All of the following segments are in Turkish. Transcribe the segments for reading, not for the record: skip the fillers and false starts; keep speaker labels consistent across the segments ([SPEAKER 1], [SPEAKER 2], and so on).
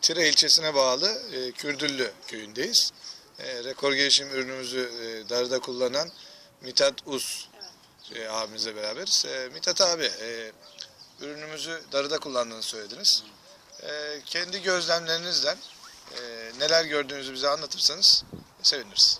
[SPEAKER 1] Tire ilçesine bağlı Kürdüllü köyündeyiz. Rekor gelişim ürünümüzü darıda kullanan Mithat Uz abimizle beraberiz. Mithat abi, ürünümüzü darıda kullandığını söylediniz. Kendi gözlemlerinizden neler gördüğünüzü bize anlatırsanız seviniriz.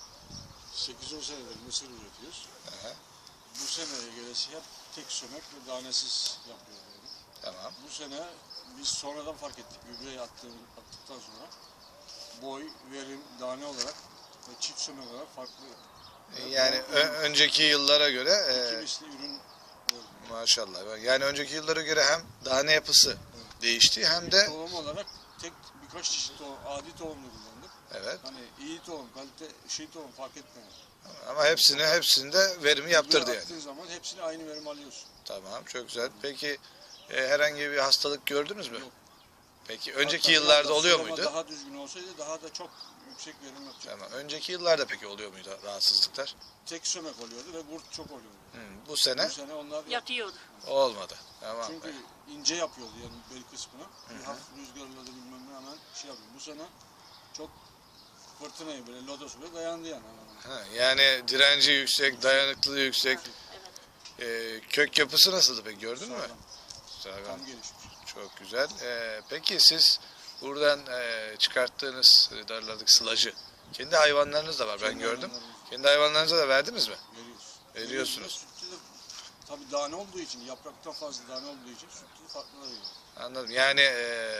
[SPEAKER 2] 8-10 senedir mısır üretiyoruz.
[SPEAKER 1] Aha,
[SPEAKER 2] Bu seneye gelesi hep tek sömek ve danesiz yapıyoruz.
[SPEAKER 1] tamam.
[SPEAKER 2] Bu sene biz sonradan fark ettik. Gübreyi attıktan sonra boy, verim, tane olarak ve çift sömek olarak farklı.
[SPEAKER 1] Yani önceki yıllara göre
[SPEAKER 2] İki misli ürün verdik.
[SPEAKER 1] maşallah. Yani önceki yıllara göre hem tane yapısı değişti hem de
[SPEAKER 2] Tohum olarak birkaç çeşit tohum, adi tohumlu kullandık.
[SPEAKER 1] evet.
[SPEAKER 2] Hani iyi tohum, kalite tohum fark etmiyor.
[SPEAKER 1] Ama hepsinde verimi yaptırdı yani.
[SPEAKER 2] Attığın zaman hepsine aynı verim alıyorsun.
[SPEAKER 1] Tamam, çok güzel. Peki herhangi bir hastalık gördünüz mü?
[SPEAKER 2] Yok.
[SPEAKER 1] Peki önceki
[SPEAKER 2] Hatta
[SPEAKER 1] yıllarda
[SPEAKER 2] biraz da
[SPEAKER 1] oluyor
[SPEAKER 2] sulama
[SPEAKER 1] muydu?
[SPEAKER 2] Daha düzgün olsaydı daha da çok yüksek verim yapacak.
[SPEAKER 1] Tamam. Önceki yıllarda peki oluyor muydu rahatsızlıklar?
[SPEAKER 2] Tek sömek oluyordu ve kurt çok oluyordu.
[SPEAKER 1] Bu sene
[SPEAKER 2] Bu sene onlar
[SPEAKER 3] Yatıyordu.
[SPEAKER 1] olmadı. Tamam.
[SPEAKER 2] çünkü ince yapıyordu yani bel kısmını. Bir hafif rüzgarla da bilmem ne hemen şey yapıyor. Bu sene çok fırtınayı böyle lodos bile dayandı yani.
[SPEAKER 1] Yani direnci yüksek, dayanıklılığı yüksek.
[SPEAKER 3] Evet.
[SPEAKER 1] Kök yapısı nasıldı peki, gördün mü?
[SPEAKER 2] Sağlam,
[SPEAKER 1] Sağlam.
[SPEAKER 2] tam gelişmiş.
[SPEAKER 1] Çok güzel. Peki siz buradan çıkarttığınız darlardaki sılacı kendi hayvanlarınız da var, ben
[SPEAKER 2] Kendi
[SPEAKER 1] gördüm.
[SPEAKER 2] hayvanlarımız
[SPEAKER 1] Kendi hayvanlarınıza da verdiniz mi?
[SPEAKER 2] Veriyoruz.
[SPEAKER 1] Veriyorsunuz.
[SPEAKER 2] Sütlü de tabii tane olduğu için, yapraktan fazla tane olduğu için sütlü farklı veriyor.
[SPEAKER 1] Anladım. Yani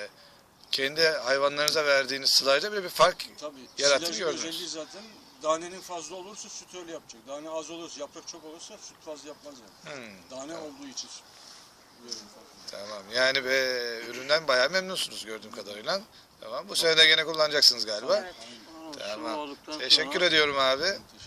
[SPEAKER 1] kendi hayvanlarınıza verdiğiniz sılayla bile bir fark
[SPEAKER 2] Tabii
[SPEAKER 1] yarattığını
[SPEAKER 2] silajın
[SPEAKER 1] gördünüz.
[SPEAKER 2] özelliği zaten danenin fazla olursa süt öyle yapacak. Dane az olursa, yaprak çok olursa süt fazla yapmaz yani. Dane olduğu için verim farklı.
[SPEAKER 1] Tamam. Yani üründen bayağı memnunsunuz gördüğüm kadarıyla. Tamam. Bu sene de gene kullanacaksınız galiba.
[SPEAKER 3] Evet.
[SPEAKER 1] Tamam.
[SPEAKER 3] Su olduktan
[SPEAKER 1] Teşekkür
[SPEAKER 3] sonra
[SPEAKER 1] ediyorum abi.